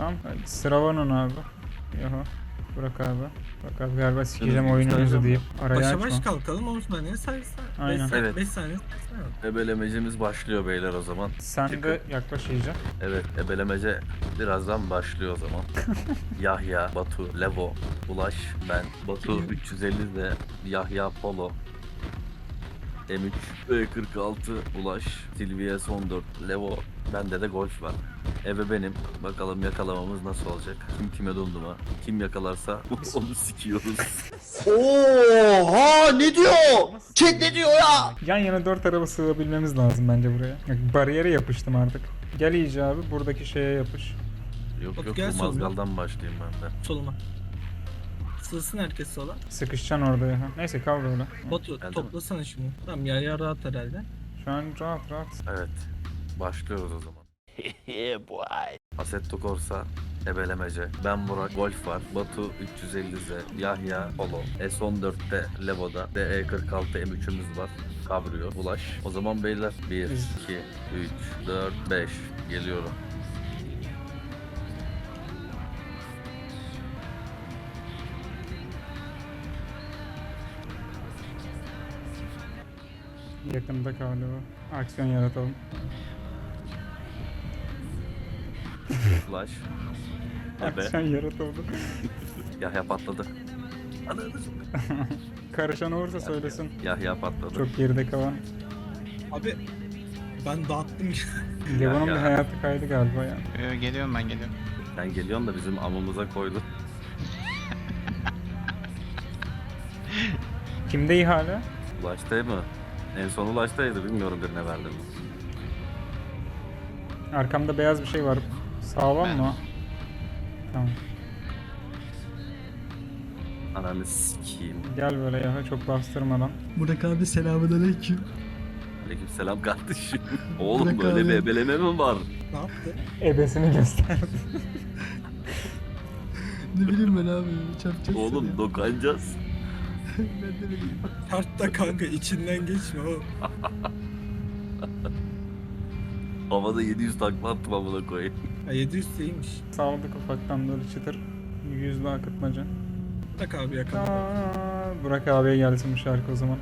Tamam. Hadi sıra var ona abi. Yahu. Bırak abi. Bak abi galiba sikeceğim Evet, oyununuzu güzel. deyip araya Başa baş açma. kalkalım Osmanlı'ya sayısı. Aynen. 5 Evet. saniye sayısı. Ebelemecimiz başlıyor beyler o zaman. Sen Çıkın. de yaklaş iyice. Evet, ebelemece birazdan başlıyor o zaman. Yahya, Batu, Levo, Ulaş, ben. Batu 350 de Yahya Polo. M3, E46, Ulaş, Silvia son 4, Levo, bende de Golf var. Eve benim. Bakalım yakalamamız nasıl olacak? Kim kime donduma? Kim yakalarsa onu sikiyoruz. Oha ne diyor? Chat ne diyor ya? Yan yana 4 araba sığabilmemiz lazım bence buraya. Bak, bariyere yapıştım artık. Gel iyice abi buradaki şeye yapış. Yok Batu yok, gel bu soluma. mazgaldan başlayayım ben de. Soluma. Sığsın herkes sola. Sıkışacaksın orada ya. Neyse kal böyle. Batu Geldi mi? toplasana şunu. Tamam ya rahat herhalde. Şu an rahat rahat. Evet, başlıyoruz o zaman. Assetto Corsa, ebelemece. Ben Burak, Golf var. Batu 350Z, Yahya, Polo. S14'te Levo'da. DE46 M3'ümüz var. Cabrio, Ulaş. O zaman beyler 1, 2, 3, 4, 5 geliyorum. Yakında galiba. Aksiyon yaratalım. Ulaş. Ebe. Aksiyon yaratalım. Yahya patladı. Ananı Karışan olursa söylesin. Yahya patladı. Çok geride kalan. Abi ben dağıttım. Levan'ın ya. bir hayatı kaydı galiba ya. Geliyorum ben geliyorum. Sen geliyorsun da bizim amımıza koydun. Kimde ihale? Ulaş'tay mı? En son Ulaş'taydı, bilmiyorum birine verdim. Arkamda beyaz bir şey var. Sağlam Ben. mı? Tamam. Ananı sikeyim. Gel böyle ya çok bastırmadan. Burak abi selamünaleyküm. Aleykümselam kardeşim. Oğlum Bırak böyle abi. bir ebeleme mi var? Ne yaptı? Ebesini göster. Ne bileyim ben abi çarpacak Oğlum seni. dokanacağız. Ben de ne bileyim. Kart da kanka içinden geçme o. Havada 700 takla attım amına koyayım. Ha 700 iyiymiş. Sağladık ufaktan böyle çıtır. Yüzlü akıtmaca. Bırak abi yakala. Burak abiye gelsin bu şarkı o zaman.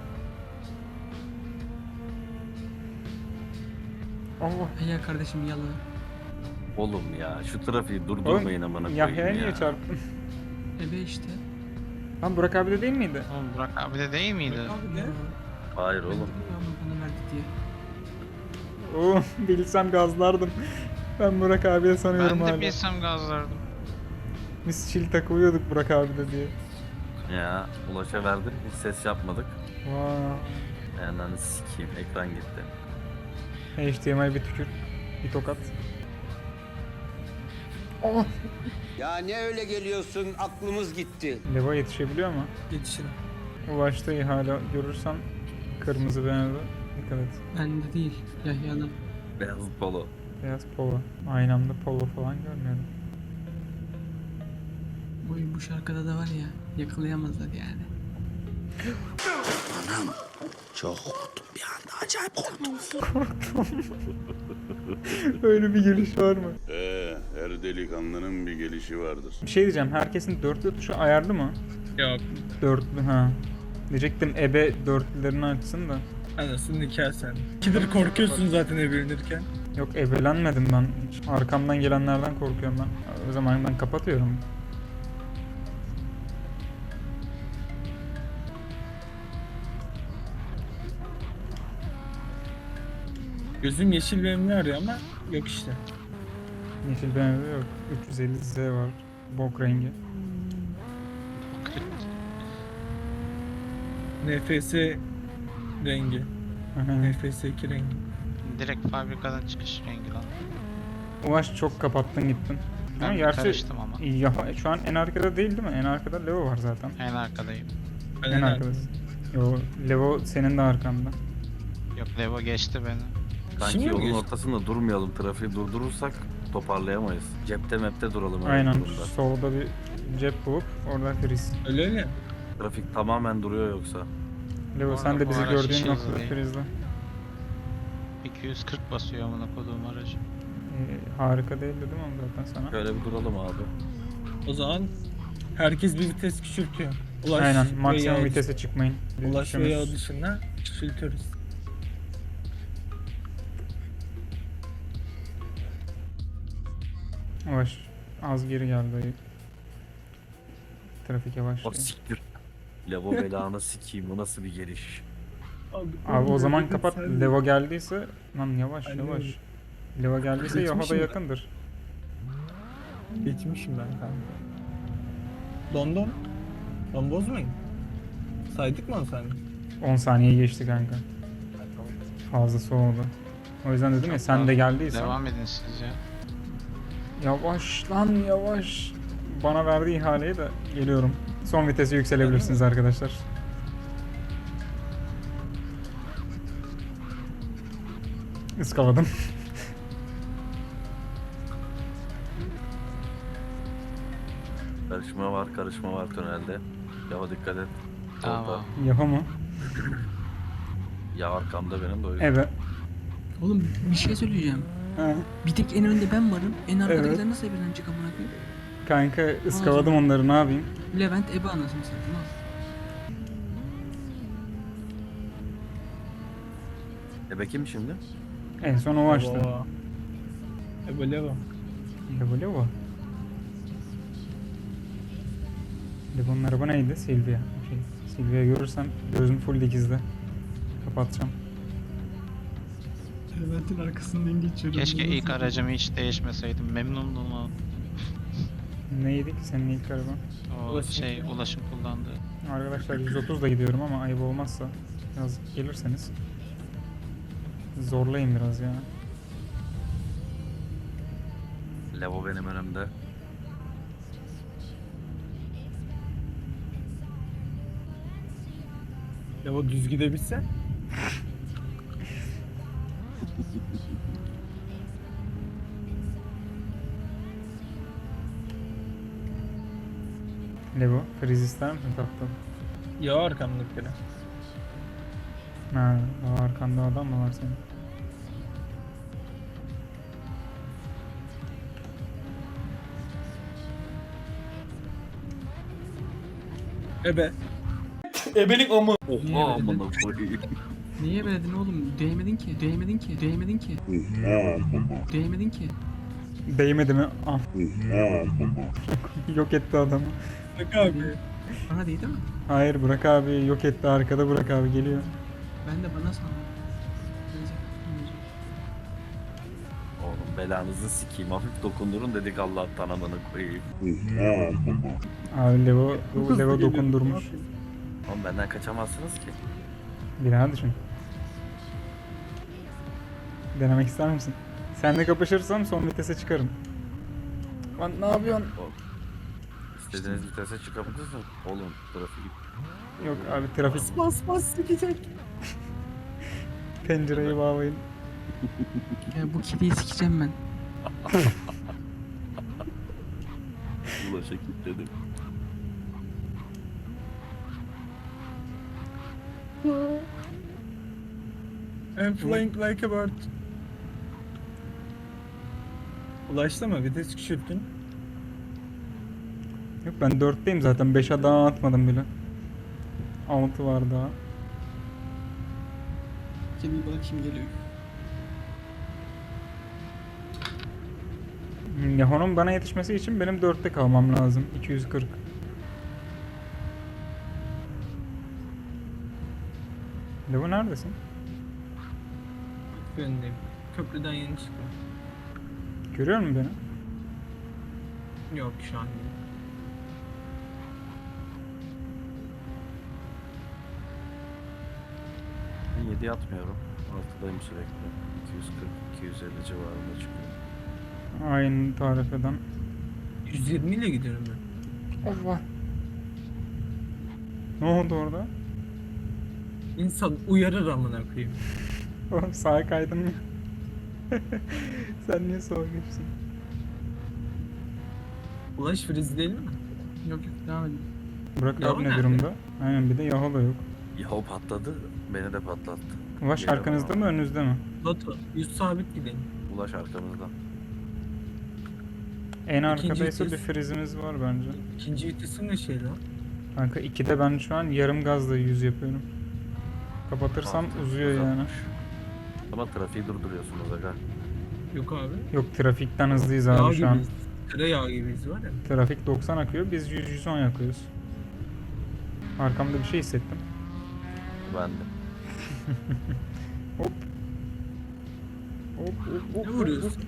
Allah. Ya kardeşim yalan. Oğlum ya şu trafiği durdurmayın amına koyayım Yahya'ya niye ya. çarptın? Ebe işte. Lan Burak abi de değil miydi? Oğlum Burak abi de değil miydi? Abi gel. Hayır oğlum. Ama bana verdi diye. Oo, bilsem gazlardım. Ben Burak abiye sanıyorum Ben de hala. bilsem gazlardım. Biz çil takılıyorduk Burak abi de diye. Ya Ulaş'a verdim, hiç ses yapmadık. Vaa. Ananı sikeyim, ekran gitti. HDMI bir tükür. Bir tokat. Oh. Ya ne öyle geliyorsun aklımız gitti. Leva yetişebiliyor mu? Yetişirim. Ulaşta ihale görürsen kırmızı BMW dikkat et. Bende değil. Yahya'da. Beyaz polo. Beyaz polo. Aynı anda polo falan görmüyorum. Bu şarkıda da var ya yakalayamazlar yani. Çok korktum bir anda acayip korktum. Öyle bir geliş var mı? Her delikanlının bir gelişi vardır. Bir şey diyeceğim. Herkesin dörtlü tuşu ayarlı mı? Yok. Dörtlü ha. Diyecektim ebe dörtlülerini açsın da. Anasını nikah sen. İkidir korkuyorsun zaten evlenirken. Yok ebelenmedim ben. Hiç arkamdan gelenlerden korkuyorum ben. O zaman ben kapatıyorum. Gözüm yeşil benimle arıyor ama yok işte. Yeşil BMW yok. 350Z var. Bok rengi. NFS rengi. NFS 2 rengi. Direkt fabrikadan çıkış rengi lan. Ulaş çok kapattın gittin. Ben Ama bir gerçi karıştım ama. ya, şu an en arkada değil mi? En arkada Levo var zaten. En arkadayım. En arkadasın. Yo, Levo senin de arkanda. Yok Levo geçti beni. Sanki Şimdi mi yolun geçti? ortasında durmayalım, trafiği durdurursak toparlayamayız. Cepte mepte duralım öyle Aynen. bir durumda. Solda bir cep bulup orada friz. Öyle öyle. Trafik tamamen duruyor yoksa. Levo sen de Bu bizi araç gördüğün hiç hızlı noktada değil. frizle. 240 basıyor amına koduğum aracı. Harika değil dedim ama zaten sana. Şöyle bir duralım abi. O zaman herkes bir vites küçültüyor. Ulaş Aynen ve maksimum yağ- vitese çıkmayın. Biz Ulaş ve üçümüz- yağ dışında küçültüyoruz. Yavaş. Az geri geldi ayı. Trafik yavaş. O siktir. Levo belanı sikeyim, bu nasıl bir geliş? Abi o zaman dedim, kapat. sen- Levo geldiyse lan yavaş Aynen yavaş. öyle. Levo geldiyse Yaho'da Geçmişim ben. yakındır. Geçmişim ben kanka. London. Lan bozmayın. Saydık mı onu sen? 10 saniye geçti kanka. Fazlası oldu. O yüzden dedim ya sen de geldiysen. Devam edin siz ya. Yavaş lan yavaş. Bana verdiği ihaleyi de geliyorum. Son vitesi yükselebilirsiniz arkadaşlar. Iskaladım. Karışma var tünelde. Yava dikkat et. Tamam. Orada. Yaho mu? Ya arkamda benim de o yüzden. Evet. Oğlum bir şey söyleyeceğim. Ha. Bir tek en önde ben varım. En arkadakiler Evet. nasıl birden çık amına koyayım? Kanka ıskaladım onları ne yapayım? Levent Ebe anasını satayım al. Kim şimdi? En son o açtı. Levo. Levo. Levo Levo. Levo'nun araba neydi? Silvia. Okey. Silvia görürsem gözüm full dikizde. Kapatacağım. Levent'in arkasından geçiyorum. Keşke ilk aracımı hiç değişmeseydim. Memnundum o. Neydi ki senin ilk araban? O ulaşım kullandığı. Arkadaşlar 130 da gidiyorum ama ayıp olmazsa biraz gelirseniz zorlayın biraz ya. Levo benim önümde. Levo düz gidebilse. Levo, friz ister misin tatlım? Ya arkamdakileri. Ha, daha arkanda adam mı var senin? Ebe. Oha amına koyayım. Niye verdin oğlum? Değmedin ki. Değmedin ki. Değmedin ki. Değmedin ki. Değmedi mi? Ah. Yok etti adamı. Bak abi. Bana değdi mi? Hayır Burak abi yok etti, arkada Burak abi geliyor. Ben de bana sandım. Neyse. Oğlum belanızı sikeyim, hafif dokundurun dedik Allah'tan amına koyayım. Abi Levo dokundurmuş. Oğlum benden kaçamazsınız ki. Bir daha düşün. Denemek ister misin? Seninle kapışırsam son vitese çıkarım. Lan ne yapıyorsun? İstediğiniz vitese çıkabilirsiniz. Oğlum trafik. Yok abi trafik, Bas sikecek. pencereyi bağlayın. Ya bu kediyi sikeceğim ben. Ulaşa kilitledim. I'm flying like a bird. Ulaştı mı? Vites küçülttün. Yok ben 4'teyim zaten, 5'e daha atmadım bile. 6 var daha. Kediyi bana kim geliyor? Yaho'nun bana yetişmesi için benim 4'te kalmam lazım. 240. Levo neredesin? Önündeyim. Köprüden yeni çıktım. Görüyor musun beni? Yok şu an değil. Ben 7'ye atmıyorum. 6'dayım sürekli. 240-250 civarında çıkıyor. Aynı tarifeden. 120 ile gidiyorum ben. Allah. Ne oldu orada? İnsan uyarır amına koyayım. Oğlum sağa kaydın mı? Sen niye sola geçtin? Ulaş friz değil mi? Yok devam edin. Burak Yaho abi ne nerede? durumda? Aynen, bir de Yaho da yok. Yahu patladı, beni de patlattı. Ulaş Geliyor arkanızda bana. mı önünüzde mi? Batu, yüz sabit gideyim. Ulaş arkamızda. En İkinci arkadaysa bir vites. frizimiz var bence. İkinci vitesin ne şey lan? Kanka 2'de ben şu an yarım gazla 100 yapıyorum. Kapatırsam Artık uzuyor yani. uzatmış. Ama trafiği durduruyorsunuz aga. Yok abi. Yok, trafikten hızlıyız Yağ abi şu an. gibiyiz. Tereyağı gibiyiz var ya. Trafik 90 akıyor, biz 100-110 yakıyoruz. Arkamda bir şey hissettim. Ben de. Hop. Hop hop hop. Ne vuruyorsun?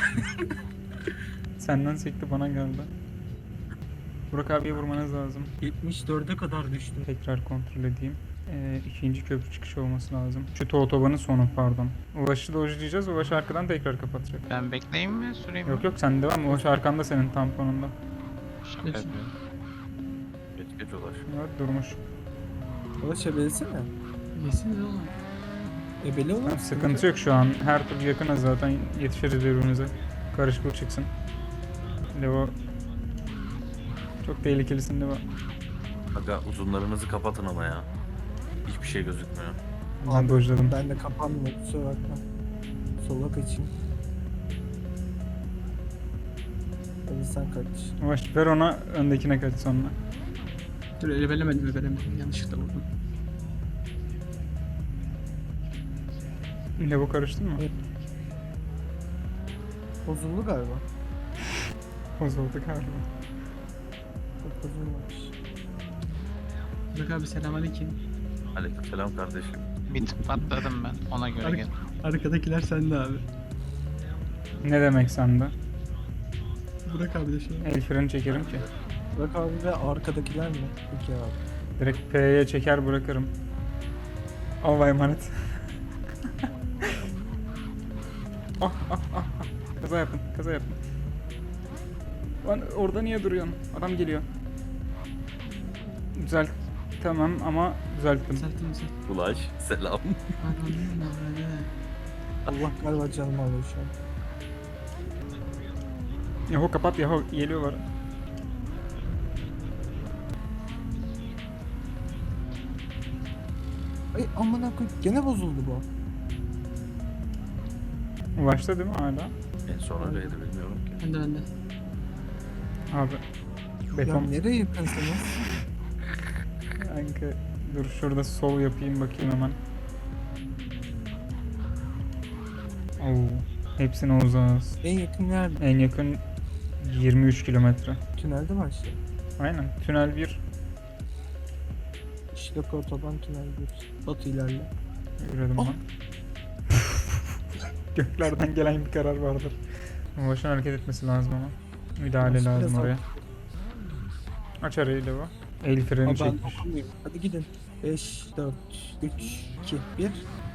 Senden sekti, bana geldi. Burak abiye vurmanız lazım. 74'e kadar düştüm. Tekrar kontrol edeyim. İkinci köprü çıkışı olması lazım. Şu otobanın sonu, pardon. Ulaş'ı dojlayacağız. Ulaş arkadan tekrar kapatacak. Ben bekleyeyim mi? Süreyim mi? Yok yok, sen devam. Ulaş arkanda senin tamponunda. Şaka Peki. yapıyorum. Geç ulaş. Evet, durmuş. Ulaş ebelesene. Yesiniz oğlum. Ebele olur. Tamam, sıkıntı yok şu an. Her türlü yakınız zaten. Yetişiriz birbirimize. Karışıklık çıksın. Levo. Çok tehlikelisin Levo. Aga uzunlarınızı kapatın ama ya. Hiçbir şey gözükmüyor. Ben dojladım. Ben de kapanmıyor, kusura bakma. Sola kaçayım. Hadi sen kaç. Ulaş ver ona, öndekine kaç sonra. Dur, ebelemedim. Yanlışlıkla vurdum. Levo karıştın mı? Evet. Bozuldu galiba. Bozuldu galiba. Çok bozulmamış. Burak abi selamünaleyküm. Aleykümselam kardeşim. Bir tık patladım ben. Ona göre gel. Arkadakiler sende abi. Ne demek sende? Burak abi de şu an. El freni çekerim ki. Bırak abi ve arkadakiler mi? Peki abi. Direkt P'ye çeker bırakırım. Allah'a emanet. Ah. Kaza yapın, kaza yapın. Lan orada niye duruyorsun? Adam geliyor. Düzelt. Tamam ama düzelttim. Düzelttim. Ulaş selam. Anladın mı? Allah galiba canımı alıyor şu an. Yahu kapat Yahu, geliyorlar. Ay amına koy. Gene bozuldu bu. Ulaştı değil mi hala? En son öyleydi bilmiyorum ki. Ben de. Abi. Ya Beton. nereye yakınsınız? Kanka dur şurada sol yapayım bakayım hemen. Oo, hepsine uzağız. En yakın nerede? En yakın 23 kilometre. Tünelde başlıyor. Aynen. Tünel 1. İşlek otoban tünel 1. Batı ilerle. Yürüdüm Oh. ben. Göklerden gelen bir karar vardır. Ulaşın hareket etmesi lazım ama. Müdahale Nasıl lazım biraz oraya. Aç arayı Levo. El freni Ama ben çekmiş. dokunmayayım. Hadi gidin. 5, 4, 3, 2, 1.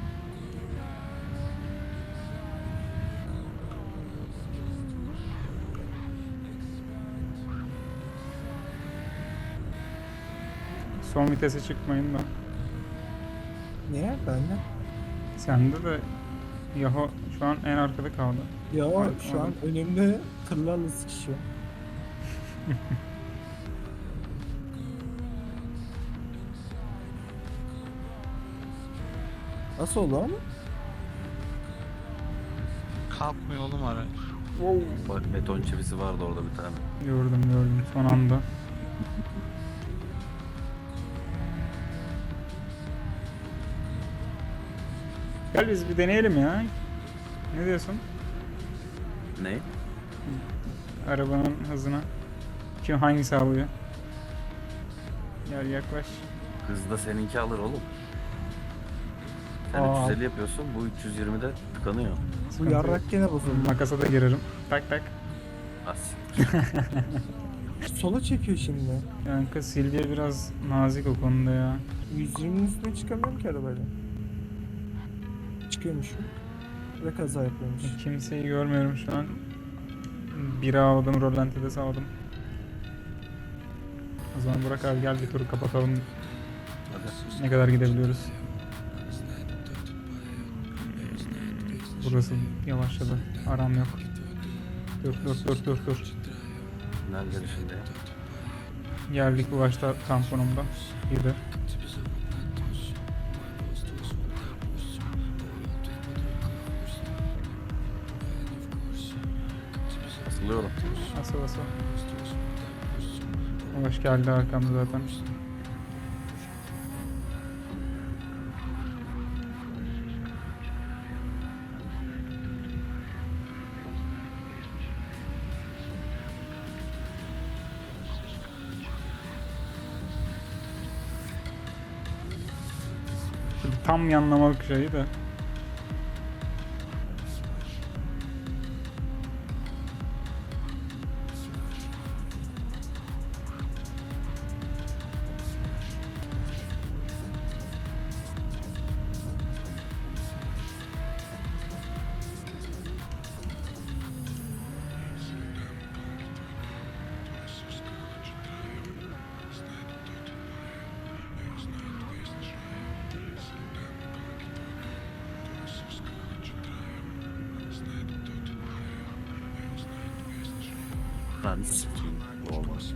Son vitese çıkmayın da. Niye? Ben de. Sende de Yaho şu an en arkada kaldı. Ya Ay, şu an önümde tırlarla sıkışıyor. Nasıl oldu ama? Kalkmıyor oğlum araç. Bak beton çivisi vardı orada bir tane. Gördüm son anda. Gel biz bir deneyelim ya. Ne diyorsun? Ne? Arabanın hızına. Kim hangisi alıyor? Gel yaklaş. Hızda seninki alır oğlum. Sen Aa. 350 yapıyorsun, bu 320'de tıkanıyor. Bu Sıkıntı yok. yarrak gene bozuldu. Makasa da girerim. Tak tak. As. Sola çekiyor şimdi. Kanka Silvia biraz nazik o konuda ya. 120'nin üstüne çıkamıyorum ki arabayla. Çıkıyormuşum. Ve kaza yapıyormuş. Kimseyi görmüyorum şu an. Biri aldım, rolantide sağladım. O zaman Burak abi gel bir turu kapatalım. Ne kadar gidebiliyoruz? Burası yavaşladı. Aram yok. Dur. Tünel girişinde. Geldik Ulaş'ta tamponumda. Girdi. Asılıyorum. Nasıl? Hoş geldi arkamda zaten. Şimdi tam yanlamak şeyi de. Lan sikeyim. Bu olmaz.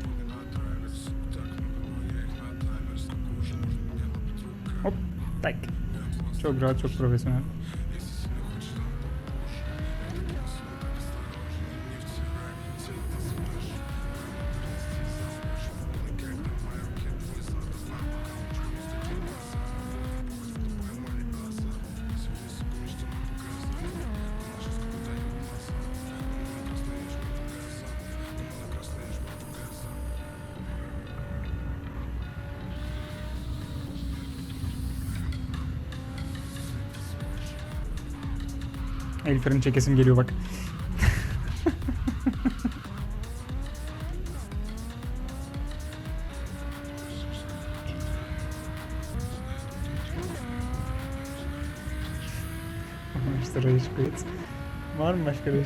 Hop. Tak. Çok rahat, çok profesyonel. El freni çekesim geliyor bak. İşte rage quit. Var mı başka rage